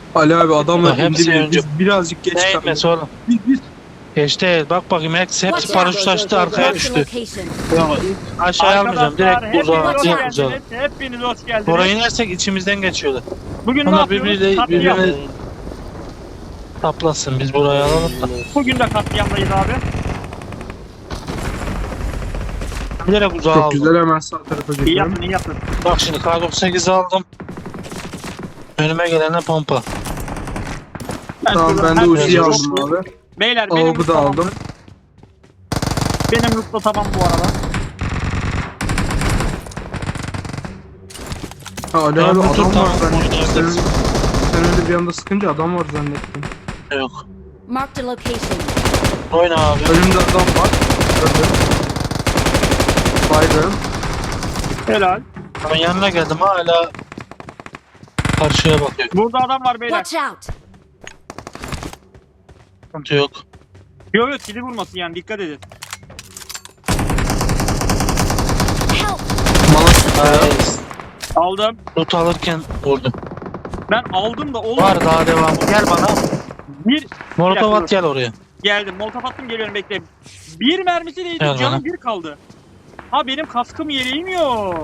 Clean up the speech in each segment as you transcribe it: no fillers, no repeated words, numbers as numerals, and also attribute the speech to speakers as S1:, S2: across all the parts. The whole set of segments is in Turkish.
S1: Ali abi adamlar
S2: Bak, hepsi
S1: indi
S2: önce.
S1: biz birazcık geç kaldık.
S2: Neyse oğlum.
S1: Biz
S2: Geçti. Bak bakayım hepsi paraşütleşti arkaya
S3: Marked a
S2: düştü.
S3: location.
S2: Aşağıya almayacağım.
S4: Arkadaşlar
S2: Direkt uzağa
S3: hepiniz hoş
S2: uzağa.
S4: geldiniz. Hepiniz hoş geldiniz.
S2: Oraya inersek içimizden geçiyorlar.
S4: Bugün ne
S2: Onlar
S4: yapıyoruz?
S2: birbirine
S4: Katliam.
S2: taplasın. Biz burayı alalım da.
S4: Bugün de katliamdayız abi.
S2: Bilerek uzağa
S1: çok
S2: aldım.
S1: güzel hemen sağ tarafa
S4: İyi
S1: gidiyorum.
S4: yaptın, iyi yaptın.
S2: Bak şimdi K98'i aldım. Önüme gelene pompa.
S1: Tamam
S4: şuradan
S1: ben de
S4: her
S1: Uzi'yi
S4: şeyi
S1: aldım
S4: toplu.
S1: abi.
S4: Beyler benim
S1: Avgu da
S4: tamamdır.
S1: aldım.
S4: Benim loot da tamam bu arada.
S1: Ha Ali
S2: Ben
S1: abi
S2: bu
S1: adam
S2: tur
S1: var
S2: tamam,
S1: zannettim.
S2: oynayabiliriz.
S1: Sen öyle bir anda sıkınca adam var zannettim.
S2: Yok.
S3: Marked a location.
S2: Oyna abi.
S1: Önümde adam var. Gördüm. Baygın.
S4: Helal.
S2: Ama yanına geldim hala karşıya bakıyor.
S4: Burada adam var beyler.
S3: Watch out.
S2: Sıkıntı yok.
S4: Yok yok kili vurmasın yani dikkat edin.
S3: Help.
S2: Nice.
S4: Aldım.
S2: Loot alırken vurdum.
S4: Ben aldım da oğlum.
S2: Var daha devam. Gel bana.
S4: Bir
S2: Molotov
S4: dakika,
S2: at gel oraya.
S4: geldim. Molotov attım geliyorum bekle. Bir mermisi değdi.
S2: Gel
S4: Canım
S2: bana.
S4: bir kaldı. Ha benim kaskım yeleğim yok.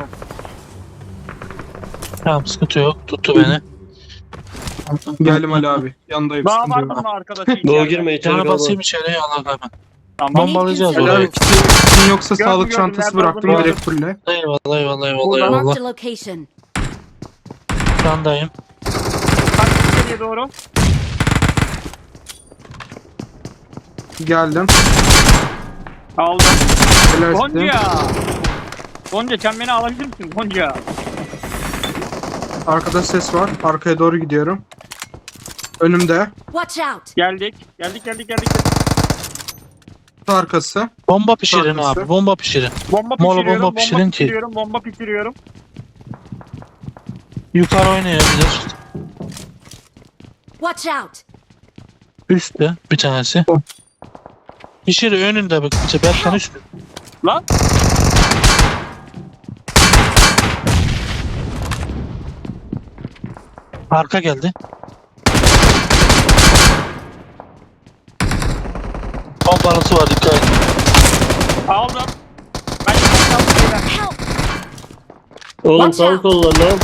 S2: Tamam sıkıntı yok. Tuttu beni.
S1: Geldim Ali abi. Yanındayım.
S4: Daha
S1: sıkıntı
S4: var
S1: yok.
S4: mı bunun arkadaşı
S5: Doğru
S4: içeride?
S5: girme içeri
S2: Cana
S5: kalma.
S2: basayım içeriye Allah hemen.
S4: Tamam.
S2: Bombalayacağız
S1: Ali
S2: orayı.
S1: abi kitin yoksa
S4: Gördüm,
S1: sağlık
S4: gördüm.
S1: çantası
S4: Nerede
S1: bıraktım
S4: olduğunu
S1: direkt fulle.
S2: Eyvallah eyvallah eyvallah
S4: Buradan-
S2: eyvallah.
S3: Marked a location.
S2: Şandayım.
S4: Kaç içeriye doğru.
S1: Geldim.
S4: Aldım.
S1: Helalsin.
S4: Gonca. Gonca sen beni alabilir misin Gonca?
S1: Arkada ses var. Arkaya doğru gidiyorum. Önümde.
S3: Watch out.
S4: Geldik. Geldik.
S1: Arkası.
S2: Bomba pişirin
S1: Arkası.
S2: abi. Bomba pişirin.
S4: Bomba
S2: Mola
S4: pişiriyorum.
S2: bomba pişirin ki.
S4: Bomba pişiriyorum.
S2: Yukarı oynayabilir.
S3: Watch out.
S2: Üstte bir tanesi.
S1: Oh.
S2: Pişir önünde bak. Berkan üstte.
S4: Lan.
S2: Arka geldi. Bombalısı var dikkat et.
S4: Aldım. Ben aldım beyler.
S3: Help.
S5: Oğlum
S3: Watch
S5: sağ kol var lan.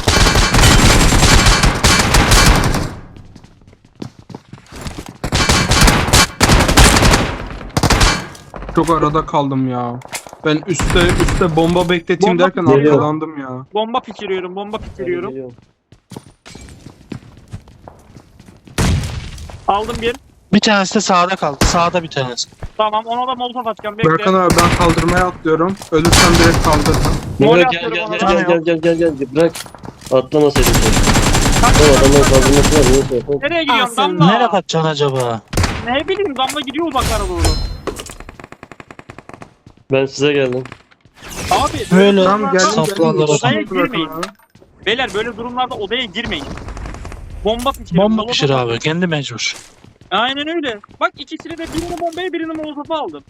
S1: Çok arada kaldım ya. Ben üstte bomba bekleteyim
S4: Bomba
S1: derken
S5: geliyor.
S1: arkalandım ya.
S4: Bomba pişiriyorum.
S5: Geliyorum.
S4: Aldım bir.
S2: Bir tanesi de sağda kaldı. Sağda bir tanesi.
S4: Tamam ona da molotof atacağım. Bekle.
S1: Berkan abi ben kaldırmaya atlıyorum. Ölürsem direkt kaldırırım.
S4: Mol
S5: Gel gel
S4: atıyorum
S5: gel
S4: ona.
S5: gel. Bırak. Atlamasaydın sen.
S4: Kaç-
S5: Oğlum adamların kaldırması var. Neyse. Hop.
S4: Nereye gidiyorsun
S3: Awesome.
S4: Damla?
S2: Nereye kaçacaksın acaba?
S4: Ne bileyim Damla gidiyor uzaklara doğru.
S5: Ben size geldim.
S4: Abi
S2: Böyle
S1: Tamam geldim.
S2: saplandılar.
S4: Odaya
S1: Şimdi bırakın
S4: girmeyin.
S1: abi.
S4: Beyler böyle durumlarda odaya girmeyin. Bomba pişirin.
S2: Bomba
S4: molotof-
S2: pişir abi. Kendi mecbur.
S4: Aynen öyle. Bak ikisini de birini bombaya birini molotofa aldım.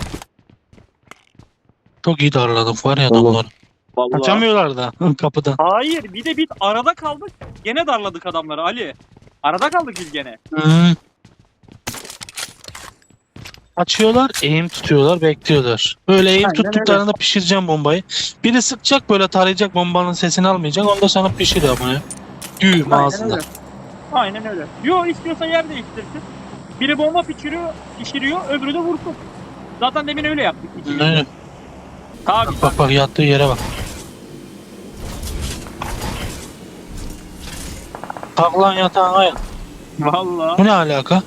S2: Çok iyi darladık var ya
S5: Tamam.
S2: adamlar.
S4: Vallahi.
S2: Kaçamıyorlar da kapıdan.
S4: Hayır bir de biz arada kaldık. Gene darladık adamları Ali. Arada kaldık biz gene.
S2: Hı. Açıyorlar, eğim tutuyorlar, bekliyorlar. Böyle eğim
S4: Aynen
S2: tuttuklarında pişireceğim bombayı. Biri sıkacak böyle tarayacak bombanın sesini almayacak. Onda sana pişir ama ya. Düğüm
S4: Aynen
S2: ağzında.
S4: öyle. Aynen öyle. Yo istiyorsa yer değiştirsin. Biri bomba pişiriyor, öbürü de vursun. Zaten demin öyle yaptık. ikimiz de.
S2: Öyle.
S4: Tabii.
S2: Bak bak yattığı yere bak. Kalk lan yatağına yat.
S4: Vallahi.
S2: Bu ne alaka?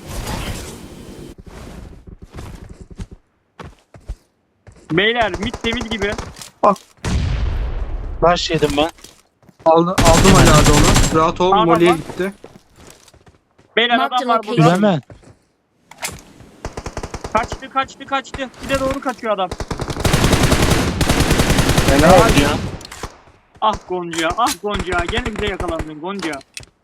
S4: Beyler mit temiz gibi.
S2: Baş yedim ben.
S1: Aldım Ali abi onu. Rahat ol.
S4: Tamam,
S1: Molly'ye
S4: bak.
S1: gitti.
S4: Beyler
S3: Marked
S4: adam var
S3: location.
S4: burada.
S2: Bilemem.
S4: Kaçtı. Bir de doğru kaçıyor adam.
S2: Helal ya.
S4: Ah Gonca. Gene bize yakalandın Gonca.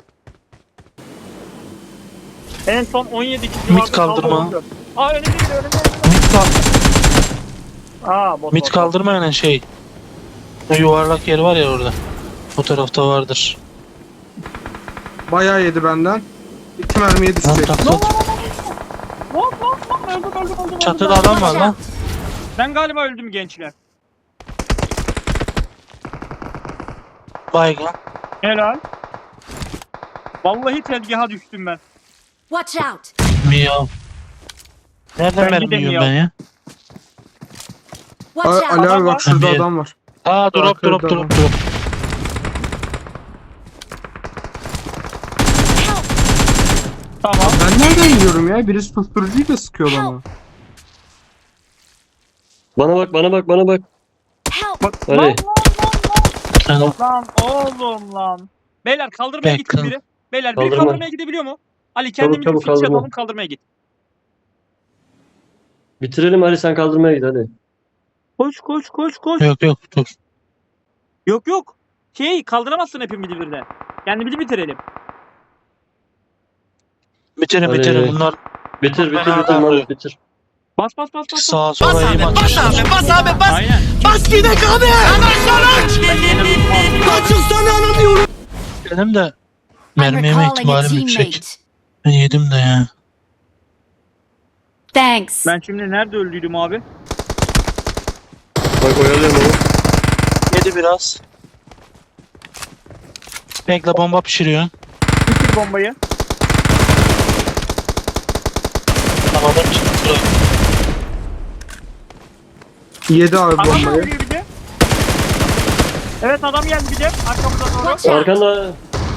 S4: En son 17 kişi
S2: Mid
S4: vardı,
S2: kaldırma.
S4: kaldı 14. Aa önümde.
S2: Mit, kal
S4: Aa bot.
S2: mit kaldırmayan şey. O yuvarlak yer var ya orada. O tarafta vardır.
S1: Bayağı yedi benden. 2 mermiye
S2: Lan
S1: düşecek.
S2: tak
S4: Lan
S2: tak.
S4: öldüm.
S2: Çatıda adam var
S3: Watch
S2: lan.
S3: out.
S4: Ben galiba öldüm gençler.
S2: Baygın.
S4: Helal. Vallahi tezgaha düştüm ben.
S3: Watch out.
S2: Miyav. Nereden
S4: Ben
S2: mermi
S4: gideyim
S2: yiyorum
S4: ya.
S2: ben ya?
S3: Watch out.
S1: Ali abi
S4: Adam var.
S1: bak şurada
S2: Bir-
S1: adam var.
S2: Aa drop
S1: Arkada
S2: drop
S1: adam.
S2: drop drop.
S3: Help.
S4: Tamam.
S1: Ben nereden yiyorum ya? Birisi susturucuyu da sıkıyor bana.
S5: Bana bak.
S3: Help.
S4: Bak,
S5: Ali.
S2: Sen o
S4: Lan oğlum lan. Beyler kaldırmaya gitsin
S2: Bekle.
S4: biri. Beyler biri
S5: Kaldırma.
S4: kaldırmaya gidebiliyor mu? Ali kendimizi
S5: çabuk
S4: fitçe
S5: kaldırma.
S4: atalım kaldırmaya git.
S5: Bitirelim Ali, sen kaldırmaya git hadi.
S4: Koş.
S2: yok dur.
S4: Yok. Kaldıramazsın hepimizi birden. Kendimizi bitirelim.
S2: Bitirin
S5: Hadi.
S2: bitirin bunlar
S5: Bitir
S2: Beraber
S5: Mahmut
S2: vuruyor.
S5: bitir.
S4: Bas.
S2: sağa sola iyi atmışlar.
S4: Aynen.
S2: Benim de
S3: I'm
S2: mermi yeme
S3: recalling a
S2: ihtimalim yüksek.
S3: teammate.
S2: Ben yedim de ya.
S3: Thanks.
S4: Ben şimdi nerede öldüydüm abi?
S5: Bak oyalıyorum onu.
S2: Yedi biraz. Bekle bomba pişiriyor.
S4: Bitir bombayı.
S2: Tamam çıktı.
S1: Yedi abi
S4: Adam
S1: bombayı.
S4: geliyor bir de. Evet adam geldi bir de arkamıza doğru.
S3: Watch out.
S5: Arkanda.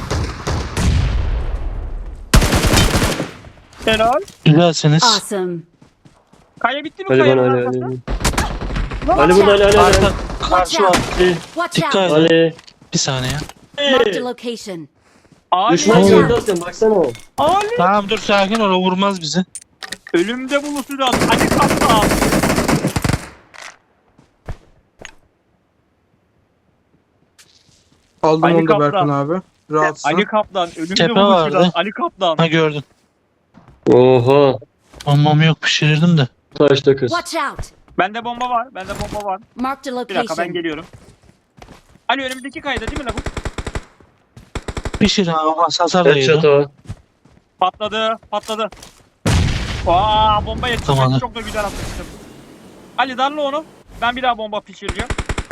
S4: Helal.
S2: Güzelsiniz.
S3: Awesome.
S4: Kaya bitti mi
S5: Ali
S4: kayanın
S5: bana
S4: arkası?
S5: Ali.
S4: Lan
S5: Ali burada Ali.
S2: Arka karşı var.
S3: Watch
S2: Dikkat
S3: out.
S2: edin.
S5: Ali.
S2: Bir saniye.
S3: Marked a location.
S4: Ali.
S5: Düşman
S3: Ali.
S5: gördü sen baksana.
S4: Ali.
S2: Tamam dur sakin ol o vurmaz bizi.
S4: Ölümde buluşacağız. Ali Kaptan.
S1: Aldım
S4: Ali
S1: onu da
S4: Kaplan.
S1: Berkan abi. Rahatsın.
S4: Ali Kaptan. Ölümde
S2: Tepe
S4: buluşacağız.
S2: vardı.
S4: Ali Kaptan.
S2: Ha gördün.
S5: Oha.
S2: Bombam yok pişirirdim de.
S5: Taşta kız.
S3: Watch out.
S4: Bende bomba var.
S3: Marked a
S4: Bir dakika ben
S3: location.
S4: geliyorum. Ali önümüzdeki kayda değil mi la bu?
S2: Pişir ha hasar da
S5: Headshot
S2: yedi.
S5: o.
S4: Patladı. Aa bomba yetişti.
S2: Tamam.
S4: Çok da güzel atmıştım. Ali darla onu. Ben bir daha bomba pişireceğim.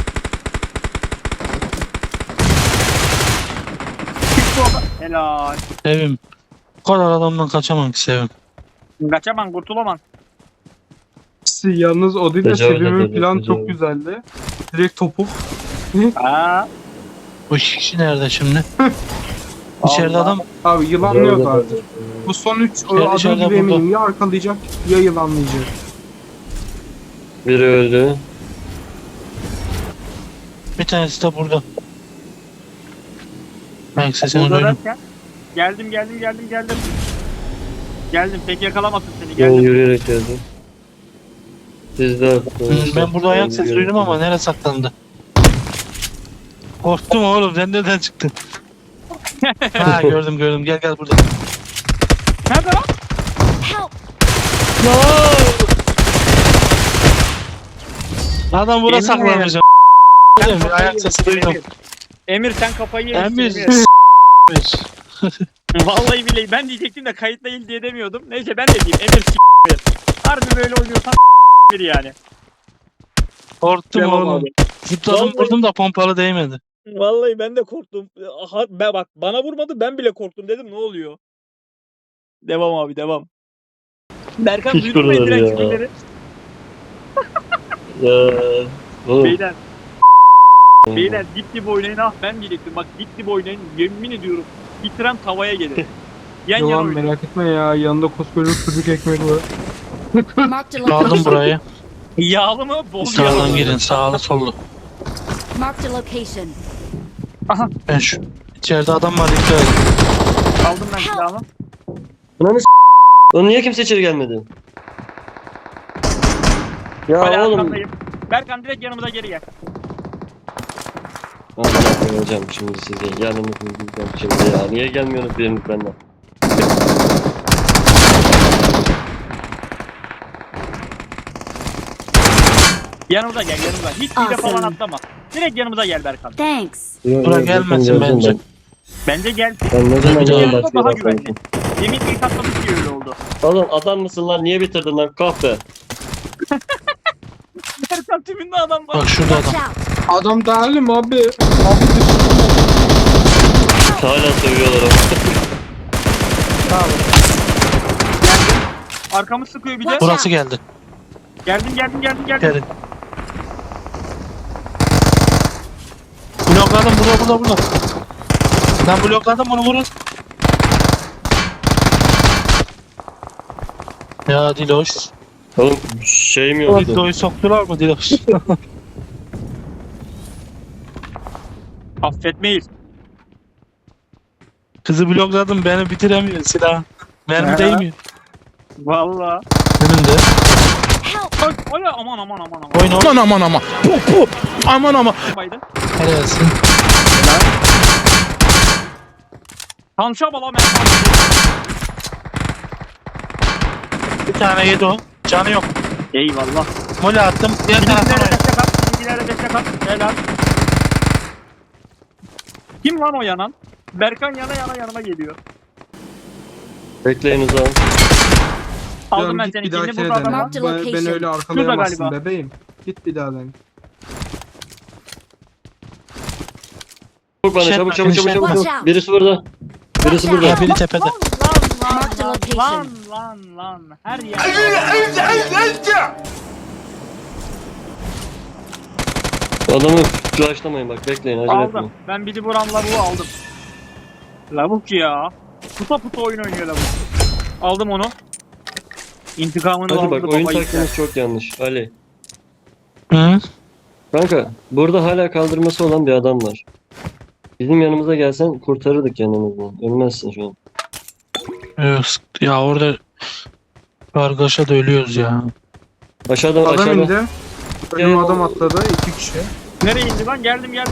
S4: Çıktı o da. Helal.
S2: Sevim. Bu kadar adamdan kaçamam ki Sevim.
S4: Kaçamam kurtulamam.
S1: Yalnız o değil de
S5: Tecavüz
S1: Sevim'in
S5: edildi,
S1: plan
S5: tecavüz.
S1: çok güzeldi. Direkt topuk.
S4: Aa.
S2: Bu iki kişi nerede şimdi? İçeride
S4: Allah.
S2: adam.
S1: Abi yılanlıyor artık. Bu son 3 adım
S2: dışarıda
S1: gibi
S2: burada.
S1: eminim. Ya arkalayacak ya yılanlayacak.
S5: Biri öldü.
S2: Bir tanesi de burada. Belki sesini
S4: Burada
S2: duydum.
S4: derken. Geldim. Geldim pek yakalamasın seni
S5: Ben
S4: geldim.
S5: yürüyerek geldim. Siz de
S2: Ben burada ayak sesi duydum ama nereye saklandı? Korktum oğlum sen nereden çıktın? Ha gördüm gel burada.
S4: Nerede lan?
S3: Help.
S2: Adam burada
S4: Emir.
S2: saklanmış. Ayak sesi duydum.
S4: Emir sen kafayı yemişsin.
S2: Emir.
S4: Emir. Vallahi billahi ben diyecektim de kayıt değil diye demiyordum. Neyse ben de diyeyim Emir Harbi böyle oynuyorsan bir yani.
S2: Korktum
S1: Devam
S2: oğlum.
S1: abi.
S2: Zıpladım
S4: Vallahi-
S2: vurdum da pompalı değmedi.
S4: Vallahi ben de korktum. Aha, bak bana vurmadı ben bile korktum dedim ne oluyor? Devam abi devam. Berkan
S5: Hiç
S4: duydun mu
S5: vurmadı
S4: Ediren
S5: ya.
S4: küfürleri?
S5: Ya. Oğlum.
S4: Beyler, beyler dip dip oynayın ah ben diyecektim. Bak dip dip oynayın yemin ediyorum. Bitiren tavaya gelir. Yan yana
S1: Yalan
S4: oynayın.
S1: merak etme ya. Yanında koskoca sucuk ekmek var.
S3: Marked a
S2: Aldım
S3: location.
S2: burayı.
S4: Yağlı mı? Bol
S2: Sağdan
S4: yağlı.
S2: girin sağlı sollu.
S3: Marked a location.
S2: Ben şu içeride adam var dikkat edin.
S4: Aldım ben silahımı.
S5: Ananı Oğlum niye kimse içeri gelmedi? Ya
S4: Hala
S5: oğlum.
S4: arkandayım. Berkan direkt yanımıza geri gel.
S5: Allah hocam şimdi size yanımı bulacağım şimdi ya. Niye gelmiyorsunuz biriniz benden?
S4: Yanımıza gel yanımıza. Hiç bir de
S3: Awesome.
S4: falan atlama. Direkt yanımıza gel Berkan.
S3: Thanks.
S2: Bura gelmesin bence.
S4: Bence gel.
S5: Ben ne zaman
S2: Bir daha
S5: yayın
S4: daha
S5: başlıyor
S4: güvenli. Demin ilk atlamış diye öyle oldu.
S5: Oğlum adam mısın lan? Niye bitirdin lan? Kahpe.
S4: Erkan tümünde adam var.
S2: Bak şurada
S3: Watch
S2: adam.
S3: out!
S1: Adam değilim abi.
S5: Hala seviyorlar ama.
S4: Arkamız sıkıyor bir de.
S3: Watch
S2: Burası geldi.
S4: Geldim.
S2: Gelin. Blokladım burada. Ben blokladım bunu vurun. Ya Diloş.
S5: Oğlum şey mi yoktu?
S2: Diloş'u soktular mı Diloş?
S4: Affetmeyiz.
S2: Kızı blokladım beni bitiremiyor silah. Mermi
S4: Ya.
S2: değmiyor.
S4: Valla.
S2: Önümde.
S3: Help!
S4: Ola aman.
S2: Oyun
S6: Aman. Aman.
S4: Baydı.
S2: Helalsin.
S4: Tanşa bala ben.
S2: Bir tane yedi o. Canı yok.
S4: Eyvallah.
S2: Mole attım. Diğer taraftan
S4: Bizimkilere
S2: oyna.
S4: destek at. Bizimkilere destek at. Helal. Kim lan o yanan? Berkan yana yanıma geliyor.
S5: Bekleyin o zaman.
S4: Aldım ben
S1: Git
S4: seni.
S1: bir
S4: Şimdi
S1: dahakine
S4: burada adam
S1: dene.
S4: var.
S3: Marked
S1: Ben
S3: location.
S1: öyle arkalayamazsın
S4: galiba.
S1: bebeğim. Git bir daha dene.
S5: Çabuk bana
S2: Şey
S5: çabuk.
S3: Watch out.
S5: Birisi burada. Birisi burada.
S2: Ya biri tepede.
S3: Marked a location.
S4: Lan. Her yer.
S5: Adamı flashlamayın bak bekleyin acele
S4: Aldım.
S5: etmeyin.
S4: Ben bir vuran lavuğu aldım. Lavuk ya. Puta oyun oynuyor lavuk. Aldım onu. İntikamını
S5: Hadi
S4: aldı
S5: bak
S4: baba
S5: oyun
S4: yiğitler.
S5: taktiğiniz çok yanlış. Ali.
S2: Hı?
S5: Kanka burada hala kaldırması olan bir adam var. Bizim yanımıza gelsen kurtarırdık yanımızdan. Ölmezsin şu an.
S2: Yok. Ya orada kargaşa da ölüyoruz ya.
S5: Aşağıda
S1: Adam
S5: aşağıda.
S1: indi. Benim adam atladı. 2 kişi.
S4: Nereye indi lan? Geldim.
S1: Yedi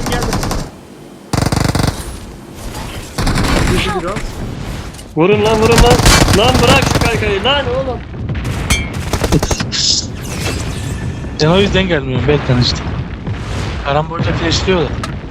S1: biraz.
S5: Vurun lan. Lan bırak şu kaykayı lan oğlum.
S2: Ben o yüzden gelmiyorum. Beklen işte. Karambolca flashliyorlar.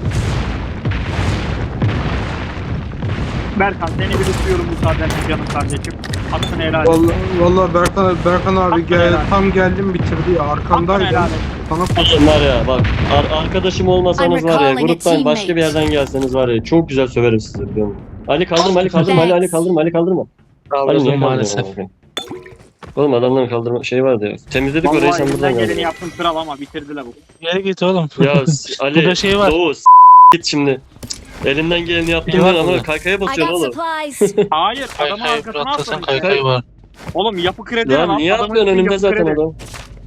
S4: Berkan seni bir tutuyorum bu saatten canım kardeşim. Hakkını helal et.
S1: Vallahi Berkan abi
S4: helal.
S1: tam geldim bitirdi ya.
S4: Hakkını
S1: Arkandaydım.
S4: helal et.
S1: Sana
S5: Oğlum var ya bak arkadaşım olmasanız
S3: I'm
S5: var ya
S3: recalling a
S5: gruptan başka bir
S3: teammate.
S5: yerden gelseniz var ya çok güzel söverim sizi biliyor musun? Ali kaldırma Ali kaldırma Ali kaldırma Ali kaldırma. Ali niye
S2: Kaldırdım
S5: kaldırma?
S2: maalesef.
S5: Oğlum adamların kaldırma şey vardı ya. Temizledik orayı
S4: Vallahi
S5: sen buradan
S4: elimden geleni
S5: geldin.
S4: yaptım kral ama bitirdi lavuk.
S2: Geri git oğlum.
S5: Ya Ali
S2: Burada şey var.
S5: Doğu git şimdi. Elinden geleni yaptın
S2: Şey var
S5: ama
S2: burada.
S5: kaykaya
S3: I
S5: basıyorsun
S3: got
S5: oğlum.
S3: supplies.
S4: Hayır adamın
S2: Kaykayı
S4: arkasına
S2: bırakırsan
S4: atlamış.
S2: kaykayı var.
S4: Oğlum yapı kredi
S5: Lan niye
S4: Adamın
S5: atlıyorsun
S4: ismi
S5: önünde
S4: yapı
S5: zaten
S4: kredi.
S5: adam.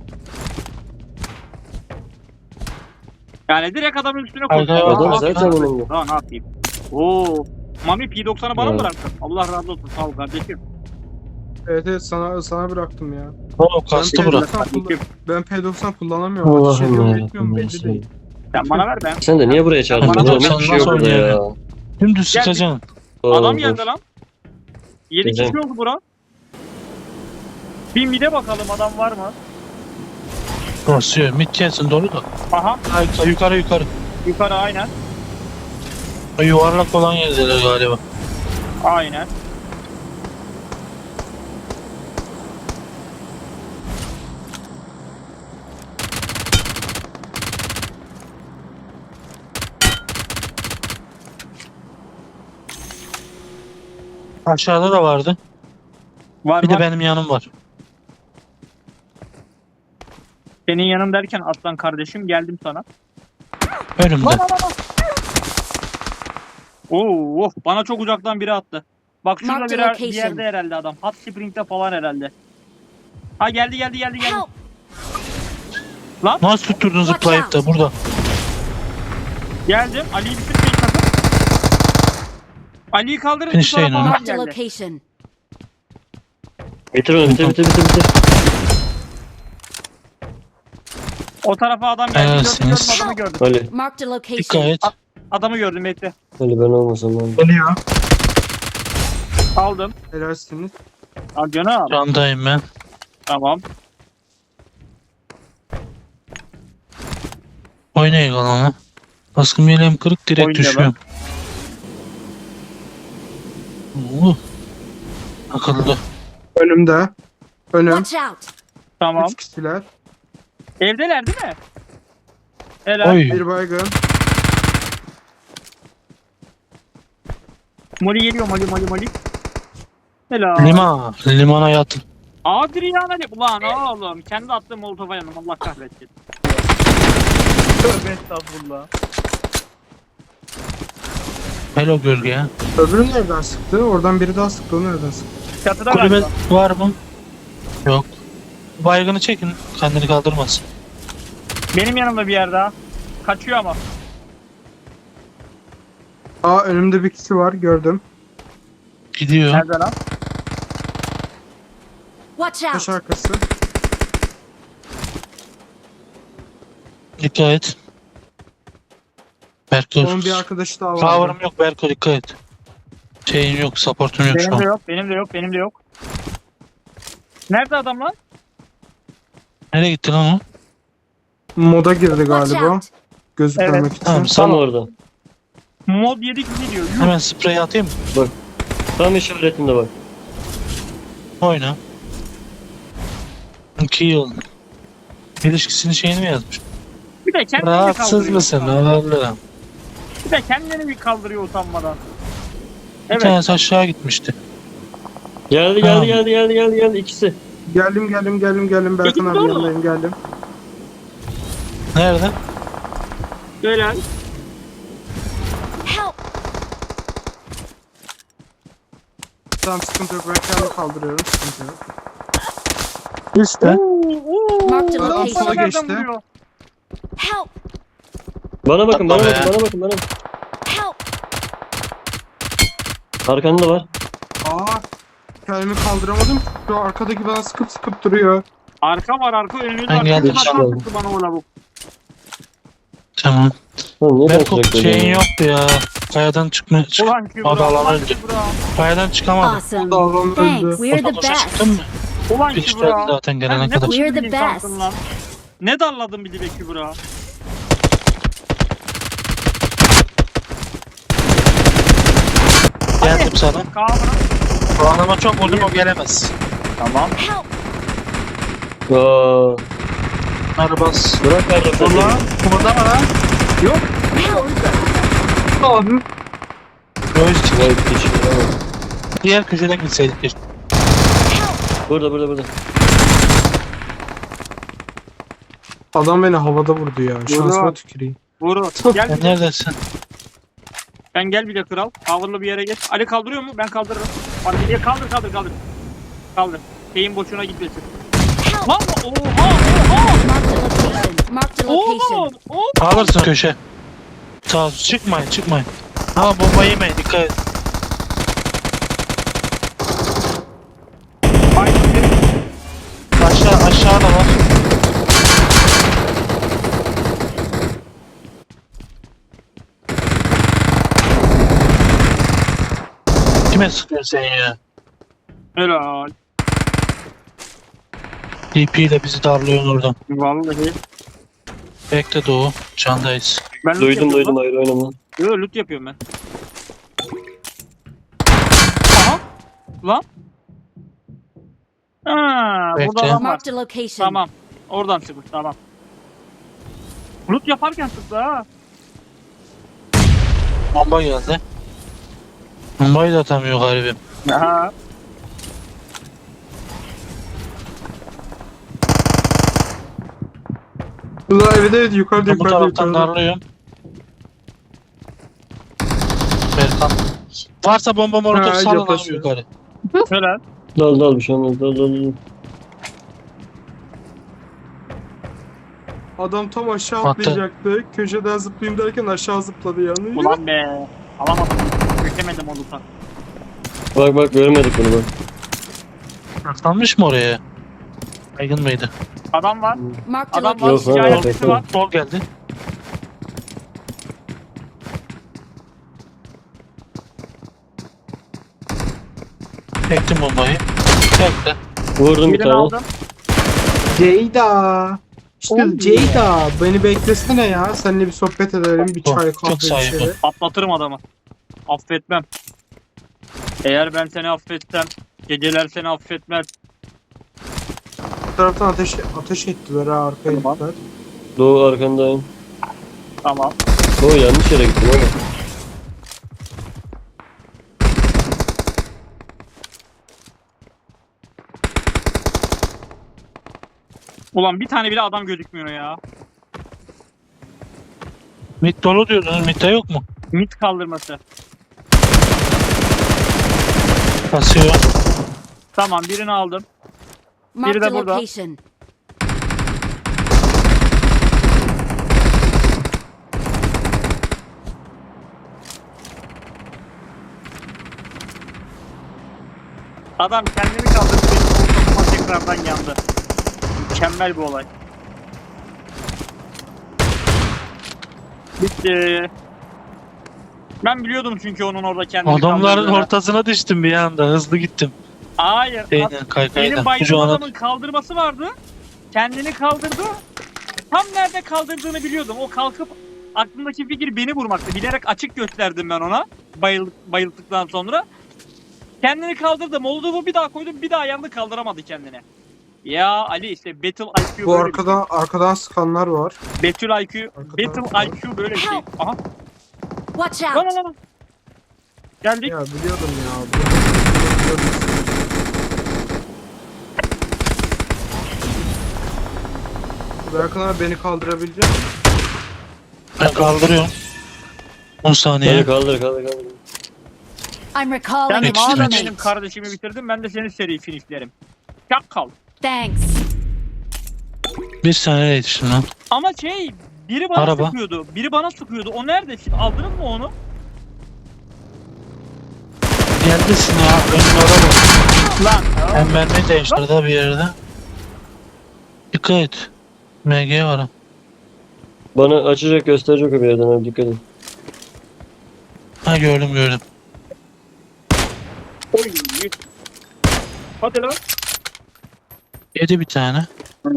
S4: Yani direkt adamın üstüne
S2: Kaykayı
S4: koydum.
S5: Adam
S2: var.
S5: zaten önünde.
S4: Daha ne yapayım? Oo. Mami P90'ı bana mı
S5: Evet.
S4: bıraktın? Allah razı olsun sağ ol kardeşim.
S1: Evet sana bıraktım ya.
S2: O kastı
S1: Ben
S2: bura.
S1: Ben P90 kullanamıyorum. Ateş ediyorum
S5: Allah'ım
S1: etmiyorum
S5: ya.
S1: belli değil.
S4: Sen bana ver ben.
S5: Sen de niye buraya çağırdın?
S4: Bana
S5: Oğlum
S4: bak,
S5: hiçbir şey
S2: nasıl
S5: yok burada ya.
S2: oynuyor Dümdüz sıkacaksın.
S4: Adam
S5: Oğlum,
S4: geldi lan. 7
S5: Güzel.
S4: kişi oldu bura. Bir mide bakalım adam var mı?
S2: Basıyor. Mid gelsin dolu da.
S4: Aha
S2: Yukarı.
S4: yukarı aynen.
S2: O yuvarlak olan yerdeler galiba.
S4: Aynen.
S2: Aşağıda da vardı.
S4: Var
S2: Bir
S4: var.
S2: de benim yanım var.
S4: Senin yanım derken aslan kardeşim geldim sana.
S2: Önümde.
S4: Oo, bana çok uzaktan biri attı. Bak şurada
S3: Marked
S4: bir
S3: location.
S4: yerde herhalde adam. Hot Spring'de falan herhalde. Ha geldi.
S3: Help!
S2: Nasıl tutturdun
S3: Watch
S2: zıplayıp da burada?
S4: Geldim. Ali'yi bitirmeyin sakın. Ali'yi kaldırın.
S2: Finishleyin
S4: sonra
S2: onu.
S4: falan
S3: Marked a
S4: geldi.
S3: location.
S5: Bitir onu bitir.
S4: O tarafa adam geldi.
S2: Helalsiniz.
S4: Gördüm, adamı gördüm.
S5: Ali.
S3: Marked a location.
S2: Dikkat et.
S4: Adamı gördüm bekle.
S5: Ali ben olmasam lan.
S2: Geliyor.
S4: Aldım.
S1: Helalsiniz.
S4: Al canım.
S2: Candayım ben.
S4: Tamam.
S2: Oynayın onu. Baskın yeleğim kırık direkt
S4: Oyna
S2: düşüyor. Akıllı.
S1: Önümde. Önüm.
S3: Watch out!
S4: Tamam.
S1: 3 kişiler.
S4: Evdeler değil mi? Helal.
S2: Oy.
S1: Bir baygın.
S4: Moli geliyor Moli. Helal.
S2: Limana yatın.
S4: Adrian Ali. Ulan oğlum. Kendi attığım molotofa yanım. Allah kahretsin. Tövbe estağfurullah.
S2: Hello gölge.
S1: Öbürü nereden sıktı? Oradan biri daha sıktı. O nereden sıktı?
S4: Çatıda
S2: Kulübe
S4: galiba.
S2: var mı? Yok. Baygını çekin. Kendini kaldırmasın.
S4: Benim yanımda bir yer daha. Kaçıyor ama.
S1: Aa önümde bir kişi var. Gördüm.
S2: Gidiyor.
S4: Nerede lan?
S3: Watch
S1: Taş
S3: out!
S1: arkası.
S2: Dikkat et. Berko.
S1: Onun bir arkadaşı daha var.
S2: Power'ım yok Berko, dikkat et. Şeyin yok, support'un yok şu
S4: Benim de
S2: an.
S4: yok. Benim de yok. Nerede adam lan?
S2: Nereye gitti lan o?
S1: Moda girdi
S3: Watch
S1: galiba.
S3: out!
S1: Gözükmemek
S4: Evet.
S1: için.
S2: Tamam,
S5: Tam
S2: sana
S5: orada.
S4: Mod 7 gidiyor. Yuh.
S2: hemen sprey atayım mı?
S5: Tam işaretinde bak.
S2: Oyna. Kill. İlişkisini şeyini mi yazmış?
S4: Bir de kendini
S2: Rahatsız
S4: kaldırıyor.
S2: mısın? Allah'ım.
S4: Bir de kendini bir kaldırıyor utanmadan.
S2: Bir
S4: Evet.
S2: tanesi aşağı gitmişti.
S5: Geldi
S2: Tamam.
S5: geldi ikisi.
S1: Geldim. Berkan
S4: Peki,
S1: abi
S4: doğru.
S1: yanındayım geldim.
S2: Nerede?
S4: Helal.
S3: Help!
S1: Tamam sıkıntı yok. Ben kendimi kaldırıyorum. Sıkıntı yok.
S2: İşte.
S3: Marked a
S1: Adam sola
S3: location.
S1: geçti.
S3: Help!
S5: Bana bakın.
S2: Tamam be.
S3: Help!
S5: Arkanda var.
S1: Aa kendimi kaldıramadım. Şu arkadaki bana sıkıp duruyor.
S4: Arka var önümüzde
S2: Ben geldim,
S5: tamam.
S4: Sıktı bana o lavuk.
S2: Tamam.
S5: Oğlum niye
S2: Berko
S5: sürekli
S2: şeyin
S5: öyle?
S2: yoktu ya. Kayadan çıkma.
S4: Ulan Kübra.
S2: Adalar
S4: Ulan
S2: önce.
S4: Kübra.
S2: Kayadan çıkamadım.
S3: Awesome!
S1: Dağlan
S3: Thanks,
S1: öldü.
S3: we're the
S2: Koşa koşa
S3: best!
S2: çıktın mı?
S4: Ulan
S2: Pişti
S4: Kübra.
S2: zaten gelene
S4: Sen ne
S2: kadar.
S3: We're
S4: biçim
S3: the
S4: bir insansın
S3: best.
S4: lan? Ne darladın bir de Kübra?
S2: Geldim sana.
S4: Kaan.
S2: Bu adama çok vurdum, o gelemez.
S4: Tamam.
S3: Help!
S5: Aa,
S2: Arabas.
S5: bırak arada.
S2: Ulan kımıldama lan.
S3: Help!
S1: Abi.
S2: Göğüs çık.
S5: Vay piç.
S2: Diğer köşeden gitseydik keşke.
S5: Burada.
S1: Adam beni havada vurdu ya. Şansıma tüküreyim.
S4: Vuru. Gel
S2: Sen neredesin?
S4: Ben gel bir de kral. Coverlı bir yere geç. Ali kaldırıyor mu? Ben kaldırırım. Bak diye kaldır. Kaldır. Şeyin boşuna gitmesin.
S3: Help!
S4: Lan oha.
S3: Marked a location.
S4: Oğlum.
S2: Alırsın köşe. Sağ çıkmayın. Ha bomba yemeyin, dikkat et. Aşağıda var. Kime sıkıyorsun sen ya?
S4: Helal.
S2: DP ile bizi darlıyorsun oradan.
S4: Vallahi.
S2: Bekle Doğu. Candayız.
S4: Ben loot
S5: Duydum
S4: yapıyorum
S5: ayrı oynama.
S4: Yo loot yapıyorum ben. Aha. Lan. Ha, burada
S2: Bekle.
S4: adam var.
S3: Marked a location.
S4: Tamam. Oradan çıkmış tamam. Loot yaparken sıktı ha.
S2: Bomba geldi. Bombayı da atamıyor garibim.
S4: Aha.
S1: Ulan evet yukarıda
S2: Bu taraftan darlıyorum. Berkan. Varsa bomba molotof
S1: Ha,
S2: salın abi
S1: yaklaşıyor.
S2: yukarı.
S4: Helal.
S5: Dal bir şey olmaz. Dal.
S1: Adam tam aşağı
S2: Attı.
S1: atlayacaktı. Köşeden zıplayayım derken aşağı zıpladı yani.
S4: Ulan be. Alamadım. Çekemedim o loot'a.
S5: Bak görmedik bunu bak.
S2: Saklanmış mı oraya? Baygın mıydı?
S4: Adam var.
S3: Marked a
S4: Adam var.
S5: Yok,
S3: location.
S5: var.
S4: Hikayesi var.
S2: Sol geldi. Çektim bombayı. Bekle.
S5: Vurdum bir
S4: Birini
S5: tane.
S4: aldım.
S1: Ceyda. İşte
S4: Oğlum
S1: Ceyda. Beni beklesene ya. Seninle bir sohbet edelim. Bir çay
S2: Çok
S1: kahve bir
S2: saygı.
S1: şey.
S4: Atlatırım adamı. Affetmem. Eğer ben seni affetsem, geceler seni affetmez.
S1: Bu taraftan ateş ettiler ha, arkaya
S4: Tamam.
S1: gittiler.
S5: Doğu arkandayım.
S4: Tamam.
S5: Doğu yanlış yere gittin oğlum.
S4: Ulan bir tane bile adam gözükmüyor ya.
S2: Mid dolu diyordunuz. Mid'de yok mu?
S4: Mit kaldırması.
S2: Basıyor.
S4: Tamam, birini aldım.
S3: Marked
S4: de
S3: a
S4: burada.
S3: location.
S4: Adam kendini kaldırdı, benim koltuğuma tekrardan yandı. Mükemmel bir olay. Bitti. Ben biliyordum çünkü onun orada kendini
S2: Adamların
S4: kaldırdığını.
S2: ortasına düştüm bir anda. Hızlı gittim.
S4: Hayır.
S2: Şeyden kaykayla.
S4: Benim baydığım
S2: Şu an
S4: adamın kaldırması vardı. Kendini kaldırdı. Tam nerede kaldırdığını biliyordum. O kalkıp aklımdaki fikir beni vurmaktı. Bilerek açık gösterdim ben ona. Bayıldıktan sonra. Kendini kaldırdı. Molotov'u bir daha koydum. Bir daha yandı, kaldıramadı kendini. Ya Ali işte Battle IQ
S1: Bu
S4: böyle bir şey.
S1: arkadan sıkanlar var.
S4: Battle IQ.
S1: Arkadan-
S4: Battle IQ böyle bir şey. Aha.
S3: Watch
S4: Lan
S3: out!
S4: lan lan. Geldik.
S1: Ya biliyordum ya. Biliyordum. Buraya kadar beni kaldırabilecek misin?
S2: Ben kaldırıyorum. 10 saniye.
S5: Hadi kaldır.
S3: I'm recalling
S4: Sen
S3: a
S2: Yetiştim,
S4: madem
S2: yetiştim.
S4: benim kardeşimi bitirdin, ben de senin seri finishlerim. Çakal.
S3: Thanks.
S2: 1 saniye yetiştim lan.
S4: Ama biri bana
S2: Araba.
S4: sıkıyordu. Biri bana sıkıyordu. O nerede? Siz aldınız mı onu?
S2: Geldesin ya. Önün araba.
S4: Lan.
S2: Ben mermi değiştirdi bir yerde. Dikkat et. MG var. Ha.
S5: Bana açacak gösterecek o bir yerden abi, dikkat et.
S2: Ha gördüm.
S4: Oy. Hadi lan.
S2: Yedi bir tane.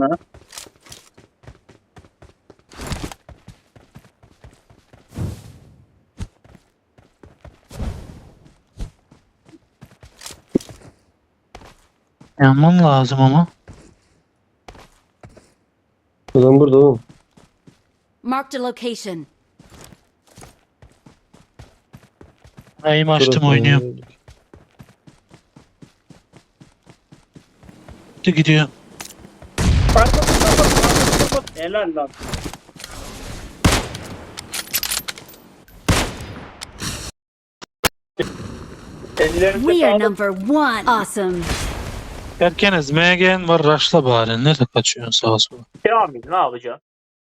S2: Yanmam lazım ama.
S5: Adam burada oğlum.
S3: Marked a location.
S2: Ayımı açtım,
S5: Burası.
S2: oynuyorum. Gidiyor.
S4: Helal lan.
S3: We are number one. Awesome.
S2: Erkeniz MG'n var, raşla bari. Nerede kaçıyorsun sağa sola?
S4: Kamil ne yapacaksın?